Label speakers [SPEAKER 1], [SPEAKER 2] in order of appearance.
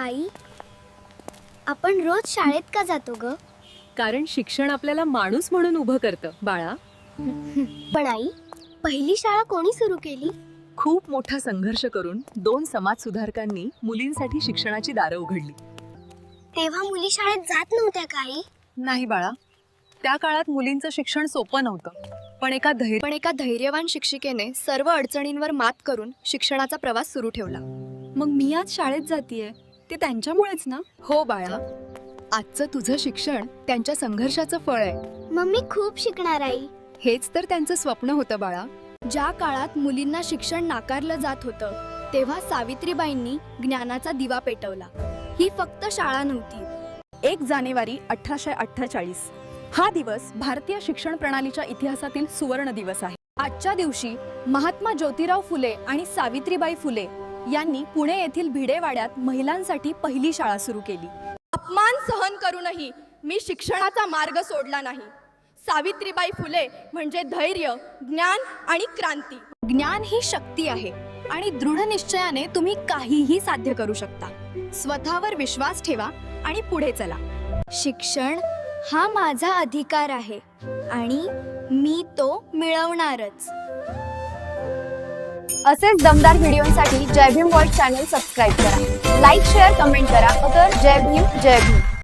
[SPEAKER 1] आई, आपण रोज शाळेत का जातो ग?
[SPEAKER 2] कारण शिक्षण आपल्याला माणूस म्हणून उभं करतं बाळा.
[SPEAKER 1] पण आई, पहिली शाळा कोणी सुरू केली?
[SPEAKER 3] खूप मोठा संघर्ष करून 2 समाज सुधारकांनी मुलींसाठी शिक्षणाची दारं उघडली.
[SPEAKER 1] तेव्हा मुली शाळेत जात नव्हत्या का आई?
[SPEAKER 3] नाही बाळा, त्या काळात मुलींचं शिक्षण सोपं नव्हतं. पण एका धैर्यवान शिक्षिकेने सर्व अडचणींवर मात करून शिक्षणाचा प्रवास सुरू ठेवला.
[SPEAKER 2] मग मी आज शाळेत जातीये ते त्यांच्यामुळेच ना.
[SPEAKER 3] हो बाळा, आजचं तुझं शिक्षण त्यांच्या संघर्षाचं फळ आहे.
[SPEAKER 1] मम्मी खूप शिकणार आई.
[SPEAKER 3] हेच तर त्यांचं स्वप्न होतं बाळा.
[SPEAKER 4] ज्या काळात मुलींना शिक्षण नाकारलं जात होतं तेव्हा सावित्रीबाईंनी ज्ञानाचा दिवा पेटवला. ही फक्त शाळा नव्हती.
[SPEAKER 3] 1 जानेवारी 1848 हा दिवस भारतीय शिक्षण प्रणालीच्या इतिहासातील सुवर्ण दिवस आहे.
[SPEAKER 4] आजच्या दिवशी महात्मा ज्योतिराव फुले आणि सावित्रीबाई फुले यांनी पुणे येथील भिडेवाड्यात महिलांसाठी पहिली शाळा सुरू केली. अपमान सहन करूनही मी शिक्षणाचा मार्ग सोडला नाही. सावित्रीबाई फुले म्हणजे धैर्य, ज्ञान आणि क्रांती. ज्ञान ही शक्ती आहे आणि दृढ निश्चयाने तुम्ही काहीही साध्य करू शकता. स्वतःवर विश्वास ठेवा आणि पुढे चला.
[SPEAKER 1] शिक्षण हा माझा अधिकार आहे आणि मी तो मिळवणारच.
[SPEAKER 4] असेच दमदार व्हिडिओसाठी Jai Bhim world channel subscribe करा. लाईक, शेअर, कमेंट करा. जय भीम, जय भीम.